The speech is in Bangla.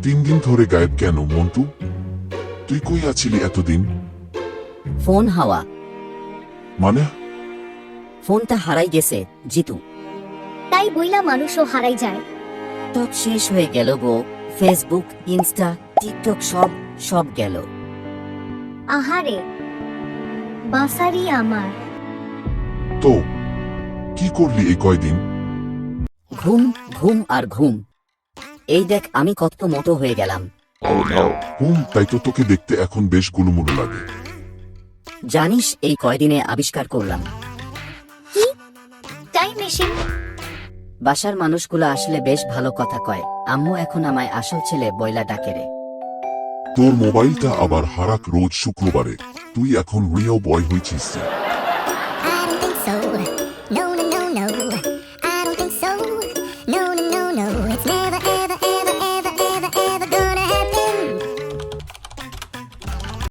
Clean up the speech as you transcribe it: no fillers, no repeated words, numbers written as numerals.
3 দিন ধরে গায়েব কেন মন্টু? তুই কই আছিলি এতদিন? ফোন হাওয়া। মানে? ফোনটা হারাই গেছে জিতু। তাই বইলা মানুষও হারাই যায়। সব শেষ হয়ে গেল গো। ফেসবুক, ইনস্টা, টিকটক সব গেল। আহারে বাসারি আমার। তো কি করলি এই কয়দিন? ঘুম ঘুম আর ঘুম। এই দেখ আমি কত মোটো হয়ে গেলাম। তাই তো তোকে দেখতে এখন বেশ গুলুমুলু লাগে। জানিস এই কয়দিনে আবিষ্কার করলাম টাইম মেশিন। বাসার মানুষগুলো আসলে বেশ ভালো কথা কয়। আম্মু এখন আমায় আসল ছেলে বইলা ডাকে রে। তোর মোবাইলটা আবার হারাক রোজ শুক্রবারে। তুই এখন রিয়েল বয় হয়েছিস। I don't think so. No, no, no, no.